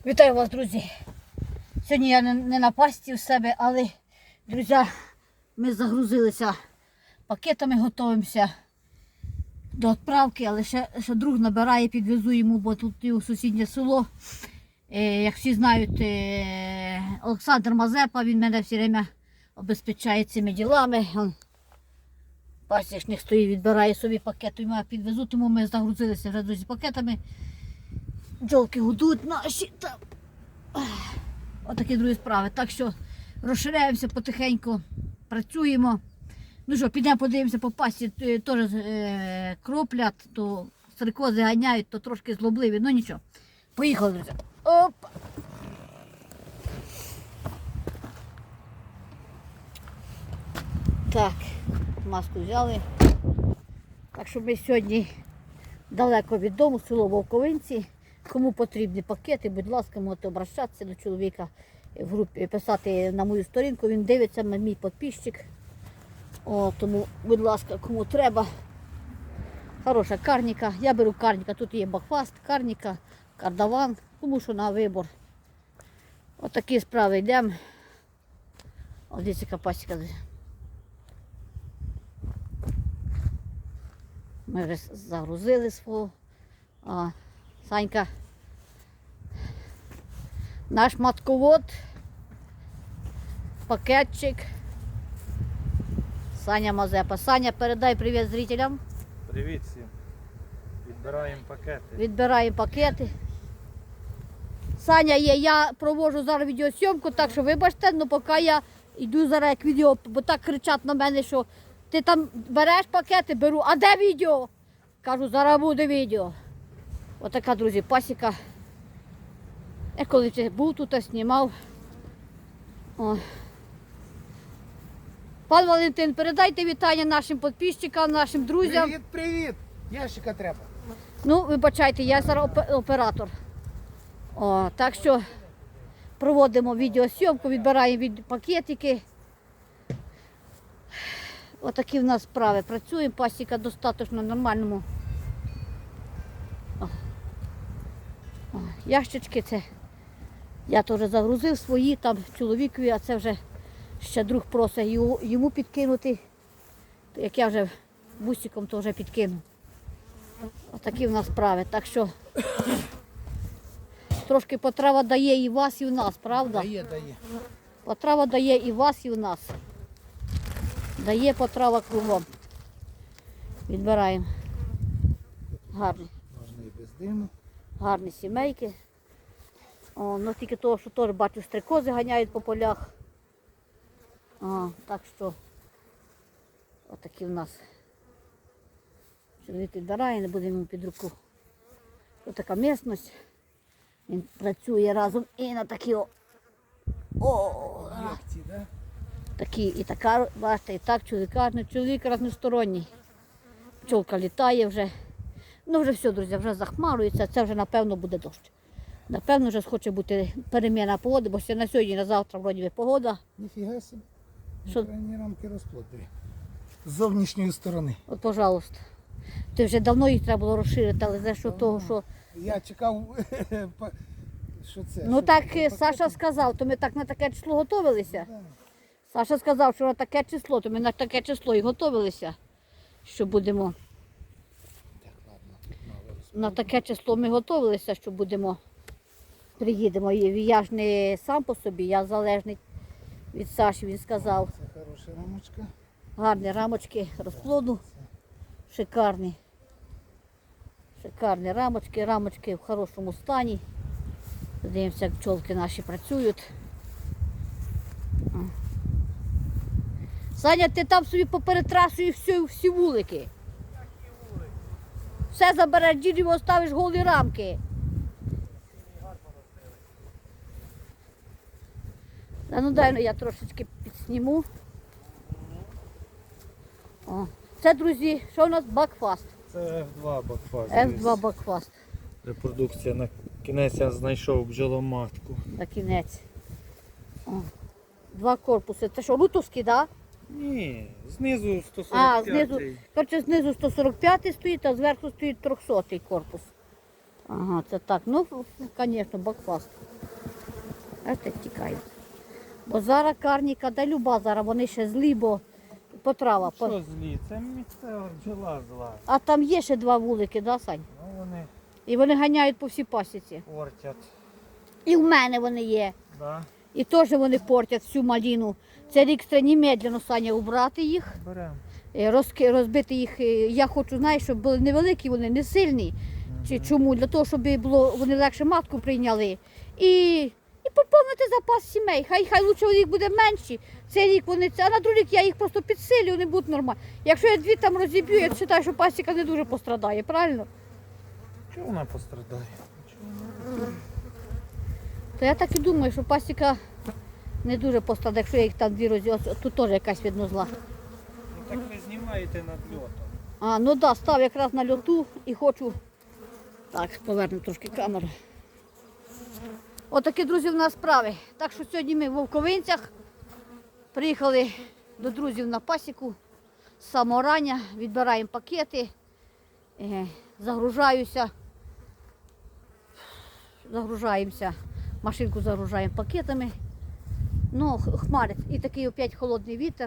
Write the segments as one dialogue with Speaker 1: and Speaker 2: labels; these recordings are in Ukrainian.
Speaker 1: Вітаю вас, друзі! Сьогодні я не на пасті в себе, але, друзі, ми загрузилися пакетами, готуємося до відправки, але ще друг набирає, підвезу йому, бо тут у сусіднє село. Як всі знають, Олександр Мазепа, він мене все время обезпечає цими ділами. Пасічник стоїть, відбирає собі пакет, і я підвезу, тому ми загрузилися вже, друзі, пакетами. Бджолки гудуть наші там. Отакі другі справи. Так що розширяємося потихеньку, працюємо. Ну що, підемо подивимося по пасті, теж кроплять, то стрикози ганяють, то трошки злобливі, ну нічого. Поїхали, друзі. Опа! Так, маску взяли. Так що ми сьогодні далеко від дому, село Вовковинці. Кому потрібні пакети, будь ласка, можете обращатися до чоловіка в групі, писати на мою сторінку, він дивиться, мій підписчик. Тому, будь ласка, кому треба. Хороша карніка. Я беру карніка, тут є бакфаст, карніка, кардаван, кому що на вибор. Отакі справи йдемо. Ось дивіться, яка пасіка. Ми вже загрузили свого. Санька, наш матковод, пакетчик, Саня Мазепа. Саня, передай привіт зрителям.
Speaker 2: Привіт всім. Відбираємо пакети.
Speaker 1: Відбираємо пакети. Саня є, я проводжу зараз відеосйомку, так що вибачте, але поки я йду зараз як відео, бо так кричать на мене, що ти там береш пакети, беру, а де відео? Кажу, зараз буде відео. Отака, друзі, пасіка. Я коли був тут, знімав. Пан Валентин, передайте вітання нашим підписчикам, нашим друзям.
Speaker 3: Привіт, привіт! Ящика треба.
Speaker 1: Ну, вибачайте, я зараз оператор. Так що проводимо відеосйомку, відбираємо пакетики. Отакі в нас справи. Працюємо, пасіка достатньо нормальному. Ящички це я теж загрузив свої, там чоловікові, а це вже ще друг просить йому підкинути. Як я вже бусиком, то вже підкину. Отакі в нас справи. Так що трошки потрава дає і вас, і в нас, правда?
Speaker 3: Дає.
Speaker 1: Потрава дає і вас, і в нас. Дає потрава кругом. Відбираємо. Гарні.
Speaker 3: Можна і без диму.
Speaker 1: Гарні сімейки. Ну тільки того, що теж бачу, стрикози ганяють по полях. Так що отакі в нас. Чоловік відбирає, не будемо йому під руку. Ось така місцевість. Він працює разом і на такі
Speaker 3: Лекції, да?
Speaker 1: такі і така, бачите, і так чоловік разносторонній. Пчолка літає вже. Ну вже все, друзі, вже захмарується, це вже напевно буде дощ. Напевно вже схоче бути переміна погоди, бо ще на сьогодні, на завтра вроді погода.
Speaker 3: Ніфіга собі.
Speaker 1: Що?
Speaker 3: Крайні рамки розплоди. З зовнішньої сторони.
Speaker 1: От, пожалуйста. Ти вже давно їх треба було розширити, але за що того, що...
Speaker 3: Я чекав, що це.
Speaker 1: Ну
Speaker 3: що
Speaker 1: так
Speaker 3: це,
Speaker 1: Саша сказав, то ми так на таке число готувалися.
Speaker 3: Да.
Speaker 1: Саша сказав, що на таке число, то ми на таке число і готувалися, що будемо.
Speaker 3: Так, ладно. Мало
Speaker 1: На таке число ми готувалися, що будемо, приїдемо. І я ж не сам по собі, я залежний від Саші, він сказав.
Speaker 3: Це хороша рамочка.
Speaker 1: Гарні рамочки розплоду, шикарні. Шикарні рамочки в хорошому стані. Дивимося, як пчолки наші працюють. Саня, ти там собі поперетрасуєш всі вулики. Все забереш, дідіво, ставиш голі рамки. Ну дай я трошечки підсніму. Це, друзі, що у нас? Бакфаст.
Speaker 2: Це F2 бакфаст.
Speaker 1: F2 Бакфаст.
Speaker 2: Репродукція. На кінець я знайшов бджоломатку.
Speaker 1: На кінець. Два корпуси. Це що, лутовські, так?
Speaker 2: Ні, знизу 145.
Speaker 1: А, знизу, коротше, знизу 145 стоїть, а зверху стоїть 300 корпус. Ага, це так. Ну, звісно, бакфаст. Бачите, тікають. Бо зараз карніка, да люба зараз, вони ще злі, бо потрава.
Speaker 2: Що злі? Це місцева бджола зла.
Speaker 1: А там є ще 2 вулики, да, Сань?
Speaker 2: Ну вони
Speaker 1: І вони ганяють по всій пасіці.
Speaker 2: портять.
Speaker 1: І в мене вони є.
Speaker 2: Да.
Speaker 1: І теж вони портять всю маліну. Це рік треба немедленно, Саня, убрати їх,
Speaker 2: Беремо.
Speaker 1: розбити їх. Я хочу, знаєш, щоб були невеликі, вони не сильні. Чому? Для того, щоб було, вони легше матку прийняли. І поповнити запас сімей. Хай лучше у них буде менші. Цей рік вони, а на другий рік я їх просто підсилю, вони будуть нормальні. Якщо я 2 там розіб'ю, я вважаю, що пасіка не дуже пострадає, правильно?
Speaker 2: Чого вона пострадає?
Speaker 1: То я так і думаю, що пасіка не дуже пострадає, якщо я їх там 2 розіб'ю. Тут теж якась видно зла.
Speaker 2: Ну так ви знімаєте над льотом.
Speaker 1: А, ну да, став якраз на льоту і хочу. Так, поверну трошки камеру. Отакі, друзі, в нас справи. Так що сьогодні ми в Вовковинцях приїхали до друзів на пасіку з самого рання, відбираємо пакети, загружаємося, машинку загружаємо пакетами. Ну, хмарить. І такий опять холодний вітер.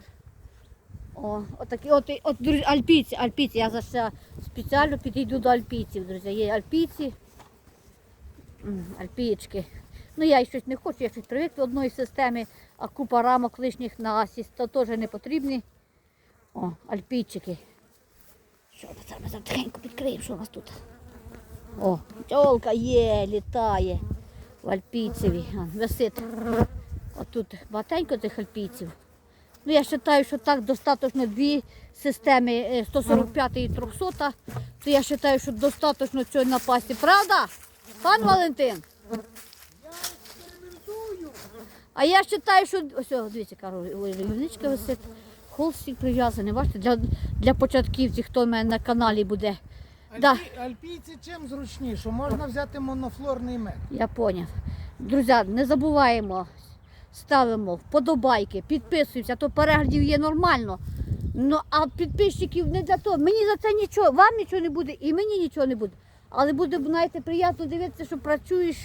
Speaker 1: От, друзі, альпійці, я зараз спеціально підійду до альпійців, друзі. Є альпійці, альпієчки. Ну я щось не хочу, я щось привик до одної системи, а купа рамок лишніх на асіст, то теж не потрібні. О, альпійчики. Що ми зараз тихенько підкриємо, що у нас тут? О, тьолка є, літає в альпійцеві, висить. Отут багатенько цих альпійців. Ну, я вважаю, що так достатньо 2 системи 145 і 300, то я вважаю, що достатньо цього на пасі. Правда, пан Валентин?
Speaker 3: Я експериментую.
Speaker 1: А я вважаю, що... Ось, дивіться, рівничка висить, холстик прив'язаний. Бачите, для початківців, хто в мене на каналі буде. Да.
Speaker 3: Альпійці чим зручніше? Можна взяти монофлорний мед.
Speaker 1: Я зрозумів. Друзі, не забуваємо, ставимо вподобайки, підписуємося, то переглядів є нормально. Ну, а підписчиків не для того. Мені за це нічого, вам нічого не буде і мені нічого не буде. Але буде, знаєте, приємно дивитися, що працюєш,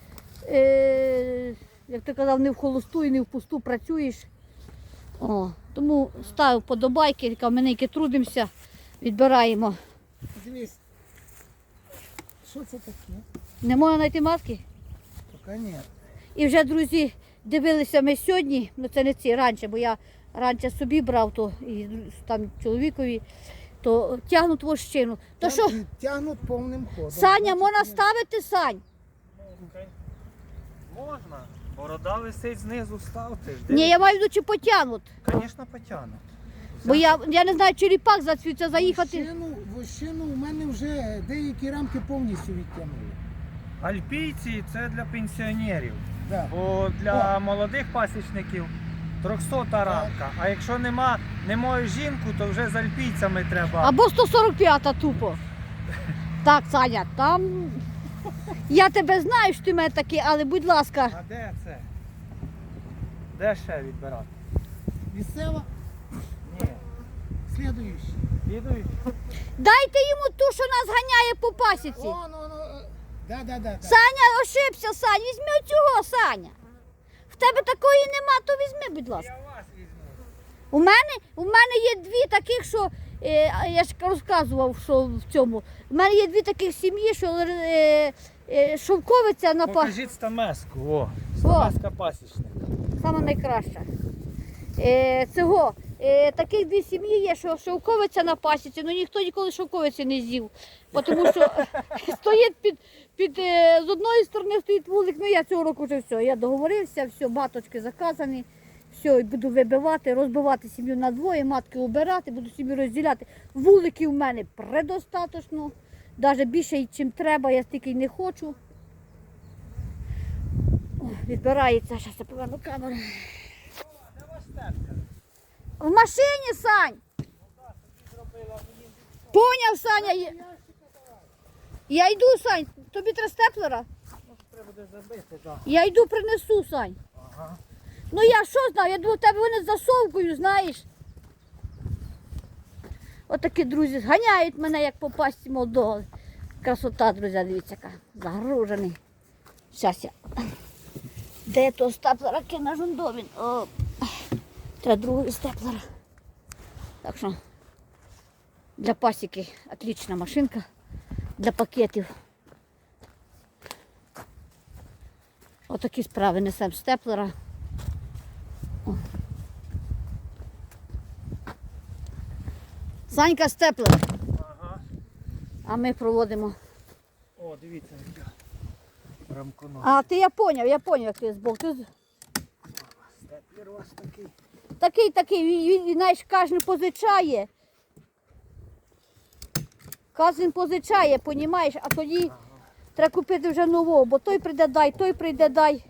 Speaker 1: як ти казав, не в холосту і не в пусту працюєш. О, тому ставив вподобайки, каменики трудимося, відбираємо.
Speaker 3: Дивись. Що це таке?
Speaker 1: Не можна знайти маски?
Speaker 3: Поки ні.
Speaker 1: І вже, друзі, дивилися ми сьогодні, ну це не ці, раніше, бо я раніше собі брав, то і там чоловікові, то тягнуть вощину. То що,
Speaker 3: Тягнуть повним ходом.
Speaker 1: Саня, можна ставити, Сань?
Speaker 2: Можна. Борода висить знизу, ставте.
Speaker 1: Ні, я маю в виду, чи потягнуть.
Speaker 2: Звісно, потягнуть.
Speaker 1: Бо я не знаю, чи ріпак зацвіться заїхати.
Speaker 3: Вощину у мене вже деякі рамки повністю відтягнули.
Speaker 2: Альпійці це для пенсіонерів.
Speaker 3: Да.
Speaker 2: Бо для молодих пасічників 300 рамка. А якщо не маю жінку, то вже з альпійцями треба.
Speaker 1: Або 145-та тупо. Так, Саня, там... Я тебе знаю, що ти мене такий, але будь ласка.
Speaker 2: А де це? Де ще відбирати?
Speaker 3: Місцева,
Speaker 2: Ні.
Speaker 3: слідуючий.
Speaker 2: Підуть.
Speaker 1: Дайте йому ту, що нас ганяє по пасіці.
Speaker 3: Да.
Speaker 1: Саня, ошибся, Саня, візьми цього, Саня. В тебе такої нема, то візьми, будь ласка.
Speaker 2: Я вас візьму.
Speaker 1: У мене є 2 таких, що, я ж розказував, що в цьому. У мене є 2 таких сім'ї, що шовковиця на пасіці.
Speaker 2: Покажіть стамеску. О, стамеска пасічника.
Speaker 1: Саме найкраща. Таких 2 сім'ї є, що шовковиця на пасіці, але ніхто ніколи шовковиці не з'їв. Тому що стоїть з одної сторони стоїть вулик, ну я цього року вже все, я договорився, все, маточки заказані, все, буду вибивати, розбивати сім'ю на 2, матки убирати, буду сім'ю розділяти. Вуликів в мене предостаточно, навіть більше, ніж треба, я стільки й не хочу. Відбирається, зараз я поверну камеру. В машині, Сань. Поняв, Саня. Я йду, Сань. Тобі треба степлера?
Speaker 2: Треба буде забити, так.
Speaker 1: Я йду, принесу, Сань.
Speaker 2: Ага.
Speaker 1: Ну я що знаю, я думаю, в тебе вони з засовкою, знаєш. Отакі друзі ганяють мене, як по пасті молодого. Красота, друзі, дивіться, яка загружений. Зараз я. Де то степлера кину жундовін? О, треба другого степлера. Так що для пасіки отлична машинка. Для пакетів. Отакі справи несемо степлера. О. Санька степлер.
Speaker 2: Ага.
Speaker 1: А ми проводимо.
Speaker 2: О, дивіться, яка рамконос.
Speaker 1: А, я поняв, як ти збоку.
Speaker 2: Степлер у вас такий.
Speaker 1: Такий, він, знаєш, кожен позичає. Кожен позичає, понімаєш, а тоді треба купити вже нового, бо той прийде дай, той прийде дай.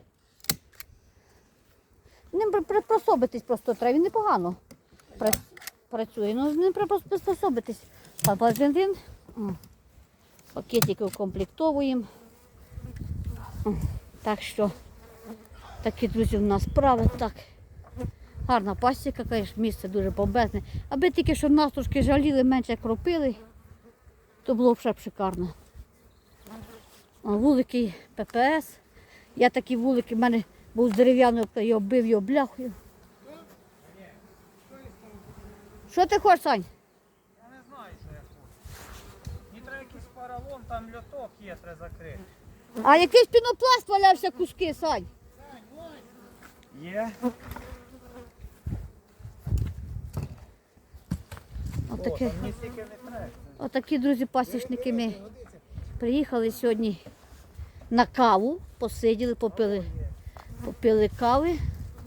Speaker 1: Ним приспособитись просто треба, він непогано працює, ну з ним треба приспособитись. Бензин, пакетики укомплектовуємо. Так що, такі, друзі, в нас справи. Так. Гарна пасіка, звісно, місце дуже бомбезне. Аби тільки, щоб нас трошки жаліли, менше кропили, то було б ще б шикарно. Вулики ППС. Я такі вулики, в мене був з дерев'яною, я оббив його бляхою. Що ти хочеш, Сань?
Speaker 2: Я не знаю, що я хочу. Мені треба якийсь поролон, там льоток є, треба закрити.
Speaker 1: А якийсь пінопласт валявся куски, Сань.
Speaker 2: Є.
Speaker 1: Отаке.
Speaker 2: О, там мені стільки не треба.
Speaker 1: Отакі, друзі, пасічники ми приїхали сьогодні на каву, посиділи, попили кави.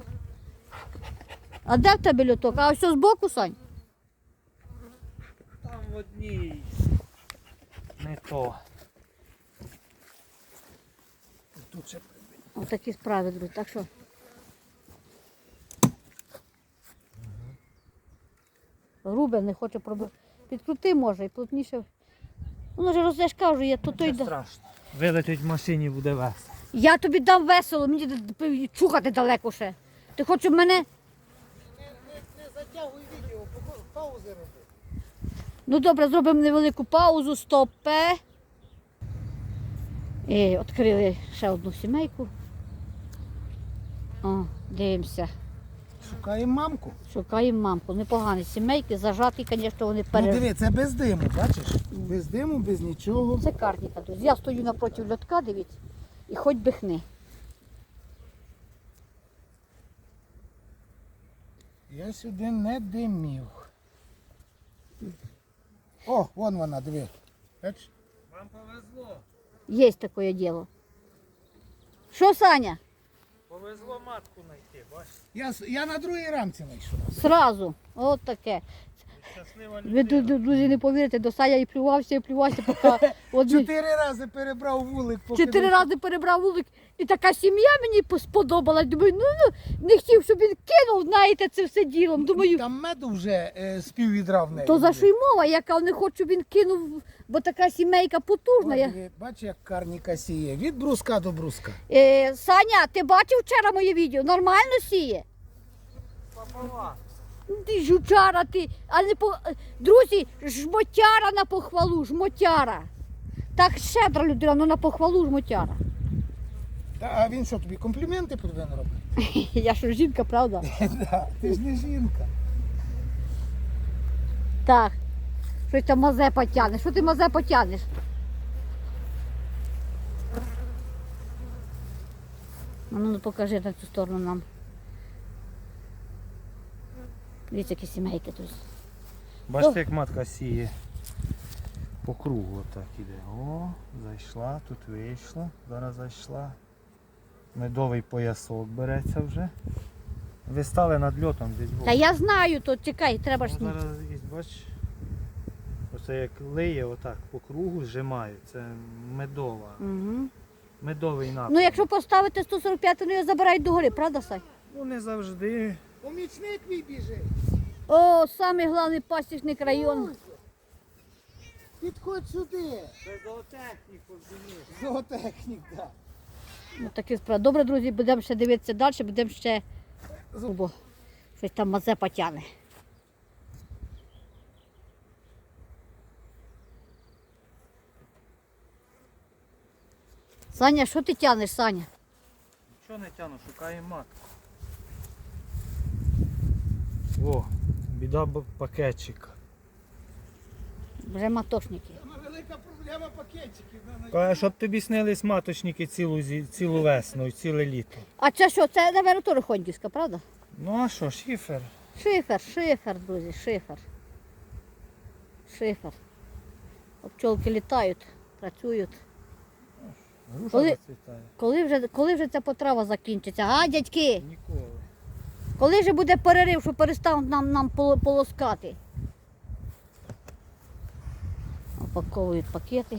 Speaker 1: А де в тебе льоток? А ось збоку, Сань?
Speaker 2: Там в одній. Не то.
Speaker 3: Тут ще
Speaker 1: Отакі справи, друзі. Так що грубе не хоче пробити. Підкрути може і плотніше. Воно вже розтяжка вже є, то той.
Speaker 2: Це страшно. Вилетить в машині буде весело.
Speaker 1: Я тобі дам весело, мені чухати далеко ще. Ти хочеш мене?
Speaker 3: не затягуй відео, паузи роби.
Speaker 1: Ну добре, зробимо невелику паузу, стопе. І відкрили ще одну сімейку. О, дивимося.
Speaker 3: Шукаємо мамку.
Speaker 1: Шукаємо мамку. Непогані сімейки, зажаті, звісно, вони
Speaker 3: Ну диви, це без диму, бачиш? Без диму, без нічого.
Speaker 1: Це карніка, друзі. Я стою напроти льотка, дивіться, і хоч би хни.
Speaker 3: Я сюди не димів. О, вон вона, диви. Бачиш?
Speaker 2: Вам повезло.
Speaker 1: Є таке діло. Що, Саня?
Speaker 2: Повезло матку знайти, бачиш?
Speaker 3: Я на другій рамці знайшов.
Speaker 1: Сразу. От таке.
Speaker 2: Щаслива
Speaker 1: Ви,
Speaker 2: людина.
Speaker 1: друзі, не повірите, до Саня і плювався, поки одні...
Speaker 3: 4 рази перебрав вулик. поки
Speaker 1: 4
Speaker 3: не-
Speaker 1: рази перебрав вулик, і така сім'я мені сподобалась. Думаю, ну, не хотів, щоб він кинув, знаєте, це все ділом. Думаю,
Speaker 3: Там меду вже з пів відра в неї.
Speaker 1: то за
Speaker 3: було.
Speaker 1: що й мова, яка не хочу, щоб він кинув, бо така сімейка потужна.
Speaker 3: От диви, бачиш, як карніка сіє. Від бруска до бруска.
Speaker 1: Саня, ти бачив вчора моє відео? Нормально сіє?
Speaker 2: Папова.
Speaker 1: Ти жучара, ти. А не по... Друзі, жмотяра на похвалу, жмотяра. Так щедра людина, але на похвалу жмотяра.
Speaker 3: А він що, тобі компліменти повинен робити?
Speaker 1: Я що, жінка, правда?
Speaker 3: Да, ти ж не жінка.
Speaker 1: Так. Щось там мазе потягнеш. Що ти мазе потягнеш? Ну, покажи на цю сторону нам. Дивіться, які сімейки тут.
Speaker 2: Бачите, як матка сіє. По кругу отак іде. О, зайшла, тут вийшла, зараз зайшла. Медовий поясок береться вже. Ви стали над льотом десь.
Speaker 1: Та я знаю, то чекай, треба ж.
Speaker 2: Зараз бачиш. Оце як лиє отак по кругу, зжимає. Це медова.
Speaker 1: Угу.
Speaker 2: Медовий напрям.
Speaker 1: Ну, якщо поставити 145, то його забирають догори, правда, Сай?
Speaker 2: Ну не завжди.
Speaker 3: Помічник мій біжить.
Speaker 1: О, самий головний пасічник району.
Speaker 3: Підходь сюди.
Speaker 2: Це зоотехнік розумієш.
Speaker 3: Зоотехнік, так.
Speaker 1: Ну, такі справи. Добре, друзі, будемо ще дивитися далі, будемо ще бо щось там мазе потягне. Саня, що ти тянеш, Саня?
Speaker 2: Нічого не тяну, шукаю матку. О, біда пакетчика.
Speaker 1: Вже матошники.
Speaker 3: Велика проблема пакетиків.
Speaker 2: Каже, щоб тобі снились маточники цілу весну і ціле літо.
Speaker 1: А це що? Це, мабуть, теж Хондівська, правда?
Speaker 2: Ну а що, шифер?
Speaker 1: Шифер, друзі, шифер. Шифер. Пчолки літають, працюють.
Speaker 2: Груша
Speaker 1: Коли-
Speaker 2: зацвітає.
Speaker 1: Коли вже ця потрава закінчиться? А, дядьки?
Speaker 2: Ніколи.
Speaker 1: Коли вже буде перерив, що перестануть нам полоскати? Опаковують пакети.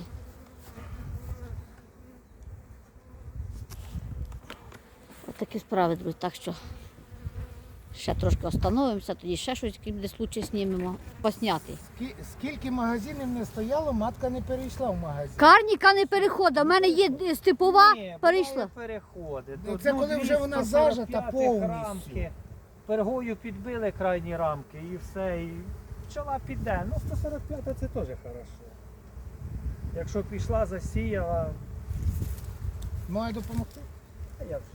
Speaker 1: Ось такі справи, друзі. Так що ще трошки остановимося, тоді ще щось буде случай знімемо, посняти.
Speaker 3: Скільки магазинів не стояло, матка не перейшла в магазин.
Speaker 1: Карніка не переходить, у мене є степова,
Speaker 2: Ні,
Speaker 1: перейшла.
Speaker 2: буває переходи.
Speaker 3: Ну, це коли вже вона зажата
Speaker 2: 245
Speaker 3: повністю.
Speaker 2: рамки. Пергою підбили крайні рамки і все. І пчола піде. Ну 145 це теж хорошо. Якщо пішла, засіяла,
Speaker 3: Маю допомогти?
Speaker 2: а я вже.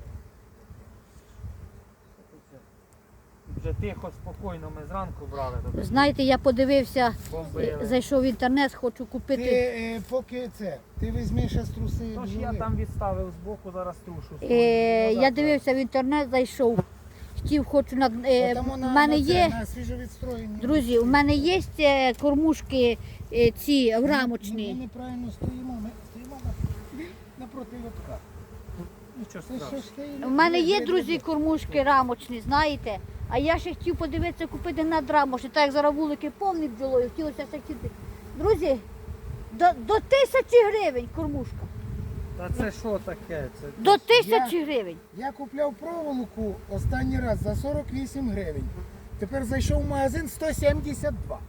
Speaker 2: Вже тихо, спокійно ми зранку брали. то
Speaker 1: Знаєте, я подивився,
Speaker 2: бомбили.
Speaker 1: зайшов в інтернет, хочу
Speaker 3: Ти
Speaker 1: купити.
Speaker 3: поки ти візьмеш ще струси.
Speaker 2: Тож я там відставив збоку, зараз трушу.
Speaker 1: Я дивився в інтернет, зайшов. Хочу в мене є,
Speaker 3: на свіжовідстроєнні.
Speaker 1: друзі, у мене є кормушки ці
Speaker 3: Ми
Speaker 1: рамочні.
Speaker 3: неправильно стоїмо, ми стоїмо напроти лотка.
Speaker 2: Нічого
Speaker 3: Це
Speaker 2: страшного.
Speaker 3: що ж ти?
Speaker 1: У мене є, друзі, кормушки рамочні, знаєте. А я ще хотів подивитися, купити надрамочні, так як зараз вулики повні бджолою, хотілося ще хотіти. Друзі, до 1000 гривень кормушка.
Speaker 2: Та це що таке? Це
Speaker 1: До 1000 гривень.
Speaker 3: Я купляв проволоку останній раз за 48 гривень. Тепер зайшов в магазин 172.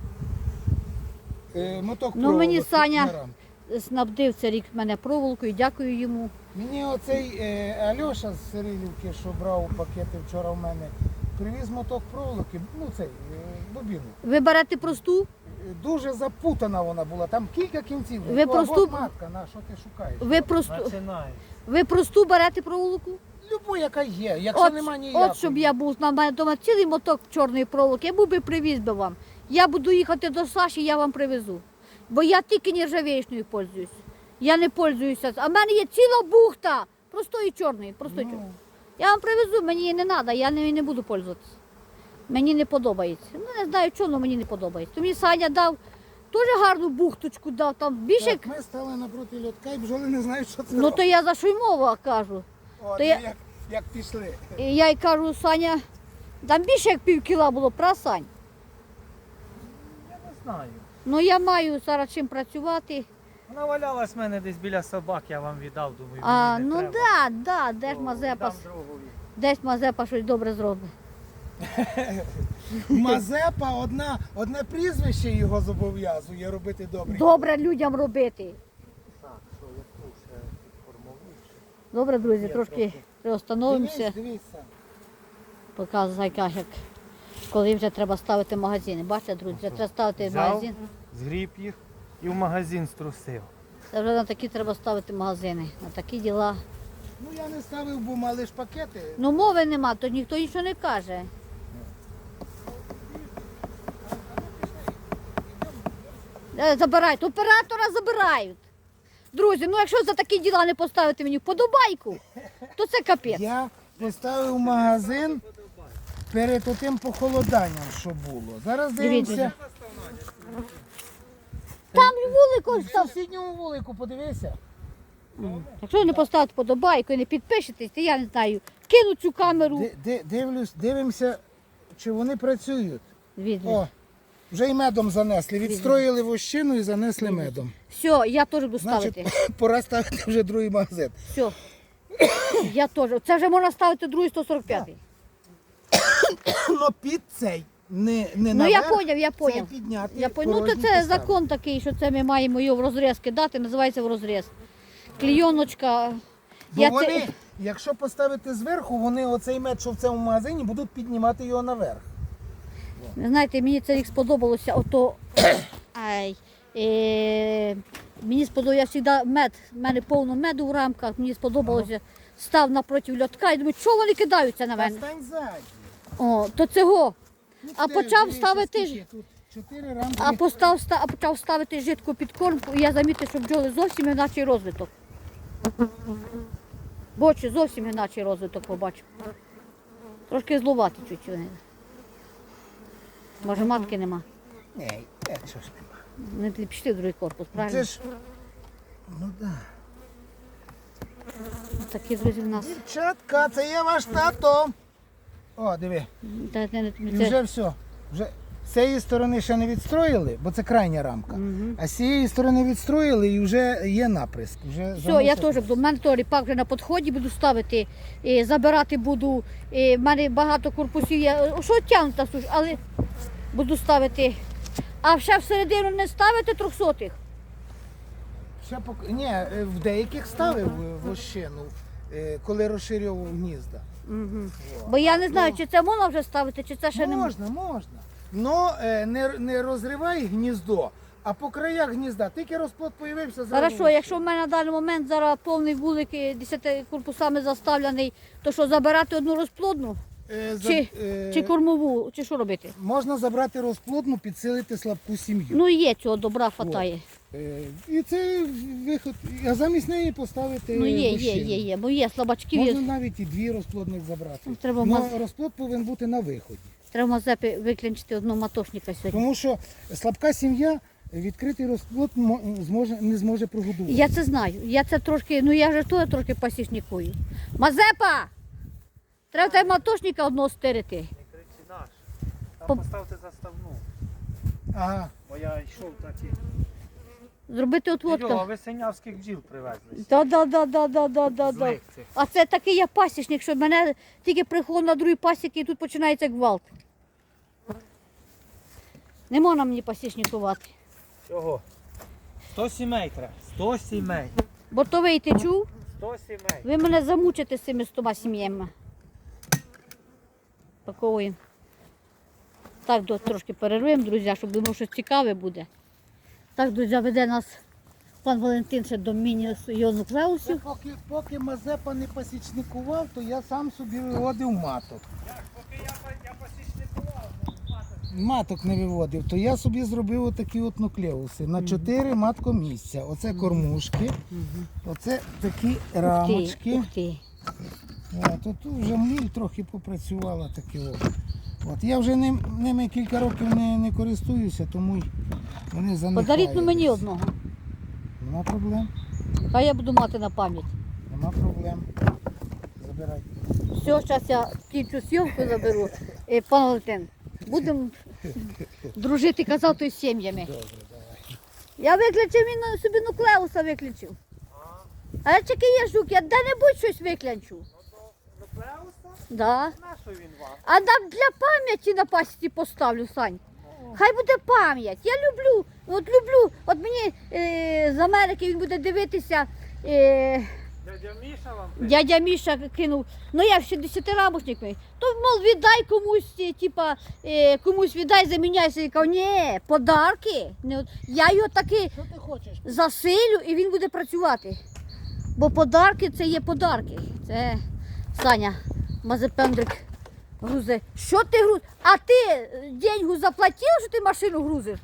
Speaker 3: Моток
Speaker 1: Ну, мені
Speaker 3: проволоки
Speaker 1: Саня-
Speaker 3: на рамки.
Speaker 1: Снабдив це рік мене проволокою, дякую йому.
Speaker 3: Мені оцей Альоша з Сирилівки, що брав пакети вчора в мене, привіз моток проволоки, ну цей, бобіну.
Speaker 1: Ви берете просту,
Speaker 3: Дуже запутана вона була, там кілька кінців.
Speaker 1: Ви
Speaker 3: О,
Speaker 1: просту-
Speaker 3: от матка, на, що ти шукаєш?
Speaker 2: починає.
Speaker 1: ви просту берете проволоку?
Speaker 3: Любу, яка є, якщо нема ніякої.
Speaker 1: От щоб я був, на мене вдома цілий моток чорної проволоки, я був би привіз би вам. Я буду їхати до Саші, я вам привезу. Бо я тільки нержавіючною пользуюсь. Я не пользуюся. А в мене є ціла бухта простої чорної. Простої чорної. Я вам привезу, мені її не треба, я нею не буду пользуватися. Мені не подобається. Ну не знаю чого, але мені не подобається. То мені Саня дав теж гарну бухточку, дав там більше.
Speaker 3: Так, ми стали напроти льотка і бджоли не знають, що це.
Speaker 1: Ну то я за що й мова кажу.
Speaker 3: От,
Speaker 1: то я-
Speaker 3: як пішли.
Speaker 1: І я й кажу, Саня, там більше як пів кіла було, пра, Сань?
Speaker 2: Я не знаю.
Speaker 1: Ну я маю зараз чим працювати.
Speaker 2: Вона валялась в мене десь біля собак, я вам віддав, думаю,
Speaker 1: А,
Speaker 2: мені не
Speaker 1: ну
Speaker 2: треба.
Speaker 1: да, де ж
Speaker 2: То
Speaker 1: Мазепа,
Speaker 2: віддам другові.
Speaker 1: десь Мазепа щось добре зробить.
Speaker 3: Мазепа, одне прізвище його зобов'язує робити добре.
Speaker 1: Добре людям робити.
Speaker 2: Так, що, яку ще формову?
Speaker 1: Добре, друзі,
Speaker 2: Є
Speaker 1: трошки
Speaker 2: трохи.
Speaker 1: приостановимося.
Speaker 3: Дивіться.
Speaker 1: Показує, як коли вже треба ставити магазини. Бачите, друзі, вже треба ставити
Speaker 2: Взяв,
Speaker 1: магазин.
Speaker 2: згріб їх і в магазин струсив.
Speaker 1: Це вже на такі треба ставити магазини, на такі діла.
Speaker 3: Ну я не ставив, бо мали ж пакети.
Speaker 1: Ну мови нема, то ніхто нічого не каже. Забирають, оператора забирають. Друзі, ну якщо за такі діла не поставити мені вподобайку, то це капець.
Speaker 3: Я поставив магазин перед тим похолоданням, що було. Зараз
Speaker 1: Дивіться.
Speaker 3: дивимося.
Speaker 1: Там вулику
Speaker 3: В
Speaker 1: став.
Speaker 3: сусідньому вулику подивися.
Speaker 1: Якщо ви не поставите вподобайку і не підпишетесь, то я не знаю, кину цю камеру.
Speaker 3: Дивимося, чи вони працюють.
Speaker 1: Дивіться.
Speaker 3: О, вже й медом занесли. Відстроїли вощину і занесли медом.
Speaker 1: Все, я теж буду
Speaker 3: Значить,
Speaker 1: ставити.
Speaker 3: пора ставити вже другий магазин.
Speaker 1: Все. Я теж. Це вже можна ставити другий 145-й.
Speaker 3: Ну під цей. Не
Speaker 1: Ну
Speaker 3: наверх,
Speaker 1: я поняв, я
Speaker 3: цей
Speaker 1: поняв.
Speaker 3: підняти.
Speaker 1: Я поняв. Ну то
Speaker 3: порожній
Speaker 1: це
Speaker 3: поставити.
Speaker 1: закон такий, що це ми маємо його в розріз кидати, називається в розріз. Клійоночка.
Speaker 3: Бо
Speaker 1: Я
Speaker 3: вони,
Speaker 1: це...
Speaker 3: якщо поставити зверху, вони оцей мед, що в цьому магазині, будуть піднімати його наверх.
Speaker 1: Ви знаєте, мені це рік сподобалося, ото ай, Мені сподобалося, я завжди мед, в мене повно меду в рамках, мені сподобалося, став напроти льотка і думаю, чого вони кидаються на
Speaker 3: Та
Speaker 1: мене?
Speaker 3: стань ззаді.
Speaker 1: О, то цього.
Speaker 3: Ну,
Speaker 1: А
Speaker 3: теж,
Speaker 1: почав
Speaker 3: дивися,
Speaker 1: ставити
Speaker 3: скільки
Speaker 1: ж-
Speaker 3: тут 4 рамки.
Speaker 1: А почав ставити жидку підкормку, і я замітив, що бджоли зовсім іначий розвиток. Бочі, зовсім іначий розвиток побачив. Трошки зловати чуть вони. Може матки нема.
Speaker 3: Ні, що ж нема.
Speaker 1: Не пішли в другий корпус, правильно?
Speaker 3: Це ж, ну так.
Speaker 1: Такі друзі в нас.
Speaker 3: Дівчатка, це є ваш тато. О, диви. І вже все. Вже з цієї сторони ще не відстроїли, бо це крайня рамка. А з цієї сторони відстроїли і вже є наприск. Вже
Speaker 1: Все, я теж буду. У мене теж ріпак вже на підході буду ставити, забирати буду. В мене багато корпусів є. Що тягнута, але буду ставити. А ще всередину не ставити 300-х.
Speaker 3: Ще Ні, в деяких ставив вощину, коли розширював гнізда.
Speaker 1: Бо я не знаю, чи це можна вже ставити, чи це ще не можна.
Speaker 3: Можна. Но не розривай гніздо, а по краях гнізда. Тільки розплод появився, зразу.
Speaker 1: Хорошо, якщо в мене на даний момент зараз повний вулик 10 корпусами заставлений, то що, забирати одну розплодну? Чи кормову, чи що робити?
Speaker 3: Можна забрати розплодну, підсилити слабку сім'ю.
Speaker 1: Ну є цього добра хватає.
Speaker 3: І це виход. А замість неї поставити
Speaker 1: Ну є,
Speaker 3: вощину.
Speaker 1: бо є слабачків.
Speaker 3: Можна навіть і 2 розплодних забрати.
Speaker 1: Треба
Speaker 3: Но розплод повинен бути на виході.
Speaker 1: Треба Мазепі виключити одного матошника сьогодні.
Speaker 3: Тому що слабка сім'я відкритий розплод не зможе прогодувати.
Speaker 1: Я це знаю. Я це трошки, ну я вже то трошки пасічникую. Мазепа! Треба тебе матошника одного стирити.
Speaker 2: Не кричи наш. Там поставте заставну.
Speaker 3: Ага.
Speaker 2: Бо я йшов так і...
Speaker 1: Зробити
Speaker 2: Йо, а
Speaker 1: отводка.
Speaker 2: ви синявських бджіл привезли.
Speaker 1: Да.
Speaker 2: Злих цих.
Speaker 1: А це такий я пасічник, що мене тільки приходив на другий пасіки і тут починається гвалт. Не можна мені пасічникувати.
Speaker 2: Чого? 100 сімей треба. 100 сімей.
Speaker 1: Бо то вийти чув,
Speaker 2: 100 сімей.
Speaker 1: ви мене замучите з цими 100 сім'ями. Паковуємо. Так, трошки перервемо, друзі, щоб думав, що цікаве буде. Так, друзі, веде нас пан Валентин ще до міні-нуклеусів.
Speaker 3: Поки Мазепа не пасічникував, то я сам собі виводив маток.
Speaker 2: Поки я посічникував,
Speaker 3: Маток не виводив, то я собі зробив отакі от нуклеуси на 4 маткомісця. Оце кормушки, оце такі рамочки.
Speaker 1: Ух ти.
Speaker 3: Тут вже міль трохи попрацювала такі от. Я вже ними кілька років не користуюся, тому вони занехають.
Speaker 1: Подаріть ну мені одного.
Speaker 3: Нема проблем.
Speaker 1: Хай я буду мати на пам'ять.
Speaker 3: Нема проблем. Забирай.
Speaker 1: Все, зараз я кінчу зйомку заберу. Пан Валентин, будемо дружити, казати, з сім'ями.
Speaker 3: Добре, давай.
Speaker 1: Я виключив, він собі нуклеуса виключив. А я тільки є жук, я де-небудь щось виключу.
Speaker 2: Нуклеуса?
Speaker 1: Да.
Speaker 2: На що він вам?
Speaker 1: А там для пам'яті на пасіці поставлю, Сань. Хай буде пам'ять. Я люблю, от мені з Америки він буде дивитися.
Speaker 2: Дядя Міша вам?
Speaker 1: Дядя Міша кинув, ну я ще 10-рамочник, то, мов, віддай комусь, комусь віддай, заміняйся. Я кажу, ні, подарки. Я його таки
Speaker 3: Що ти хочеш?
Speaker 1: засилю і він буде працювати. Бо подарки це є подарки. Це Саня Мазепендрик грузи. Що ти грузиш? А ти деньгу заплатив, що ти машину грузиш?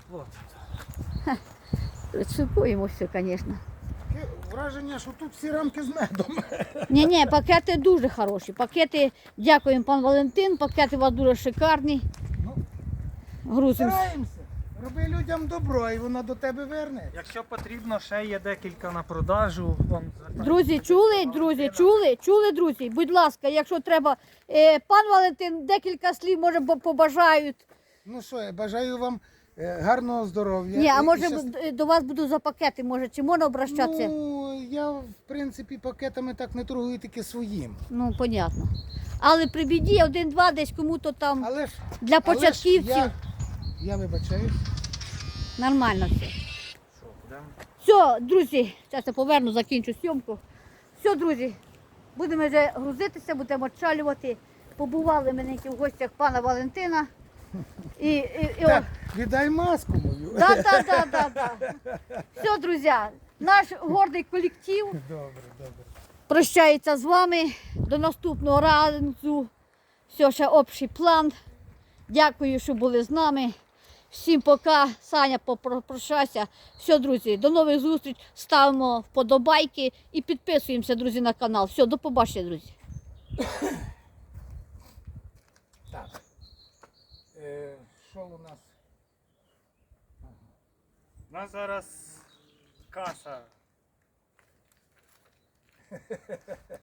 Speaker 2: Заплатив.
Speaker 1: Шукуємося, звісно.
Speaker 3: Таке враження, що тут всі рамки з медом.
Speaker 1: Ні, пакети дуже хороші. Пакети, дякуємо, пан Валентин, пакети у вас дуже шикарні.
Speaker 3: Ну,
Speaker 1: Грузимося.
Speaker 3: стараємося. Роби людям добро, і воно до тебе верне.
Speaker 2: Якщо потрібно, ще є декілька на продажу.
Speaker 1: Друзі, чули, друзі? Будь ласка, якщо треба, пан Валентин декілька слів, може, побажають.
Speaker 3: Ну що, я бажаю вам гарного здоров'я.
Speaker 1: Ні, а
Speaker 3: І
Speaker 1: може
Speaker 3: щас-
Speaker 1: до вас буду за пакети, може, чи можна обращатися?
Speaker 3: Ну, я, в принципі, пакетами так не торгую, тільки своїм.
Speaker 1: Ну, понятно. Але при біді один-два десь кому-то там
Speaker 3: Але ж,
Speaker 1: для
Speaker 3: але ж
Speaker 1: початківців
Speaker 3: я вибачаюсь.
Speaker 1: нормально все.
Speaker 2: Що, будемо?
Speaker 1: Все, друзі, зараз я поверну, закінчу зйомку. Все, друзі, будемо вже грузитися, будемо відчалювати. Побували ми в гостях пана Валентина.
Speaker 3: Так, віддай маску мою.
Speaker 1: Да. Все, друзі, наш гордий колектив
Speaker 3: Добре, добре.
Speaker 1: прощається з вами. До наступного разу. Все, ще общий план. Дякую, що були з нами. Всім пока. Саня, попрощайся. Все, друзі, до нових зустріч. Ставимо вподобайки і підписуємося, друзі, на канал. Все, до побачення, друзі.
Speaker 3: Так. Що у нас?
Speaker 2: У нас зараз каса.